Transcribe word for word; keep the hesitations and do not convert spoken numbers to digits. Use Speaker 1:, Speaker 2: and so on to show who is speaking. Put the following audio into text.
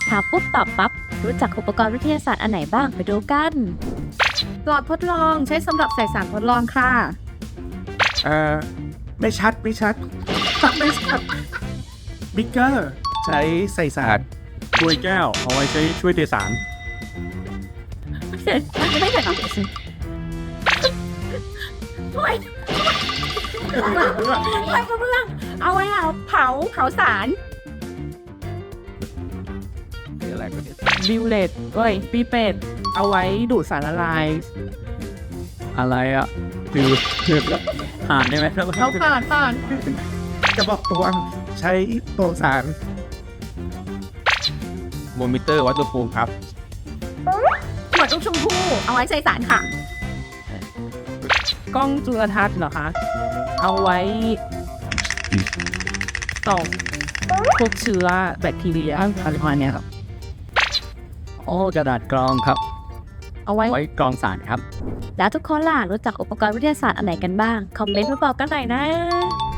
Speaker 1: ถามปุ๊บตอบปั๊บรู้จักอุปกรณ์วิทยาศาสตร์อันไหนบ้างไปดูกัน
Speaker 2: หลอดทดลองใช้สำหรับใส่สารทดลองค่ะ
Speaker 3: เอ่อไม่ชัดไม่ชัด
Speaker 2: ไม่ใช่
Speaker 3: บิ๊กเกอร์ใช้ใส่สาร
Speaker 4: ถ้วยแก้วเอาไว้ใช้ช่วยเทสาร
Speaker 2: ไม่ใช่ไม่ใช่ถ้วยถ้วยกระเบื้องเอาไว้เอาเผาเผาสาร
Speaker 3: คืออะไรก็เนี่ย
Speaker 2: บิวเลตเอ้ยปีเป็ดเอาไว้ดูดสารละลาย
Speaker 4: อะไรอ่ะคือคือหานได้ไหมครับ
Speaker 2: เอาผ่านผ่าน
Speaker 3: จะบอกตวงใช้ตัวสาร
Speaker 4: โมมิเตอร์วัดอุณหภูมิครับ
Speaker 2: ขวดลูกชมพู่เอาไว้ใส่สารค่ะ กล้องจุลทรรศน์เหรอคะ เอาไว้ส่องพวกเชื้อแบคทีเรียอะไรประมาณเนี้ยครับ
Speaker 4: โอ้กระดาษกรองครับ
Speaker 2: เอาไว้
Speaker 4: ไว้กรองสารครับ
Speaker 1: แล้วทุกคนล่ะรู้จักอุปกรณ์วิทยาศาสตร์อันไหนกันบ้างคอมเมนต์มาบอกกันหน่อยนะ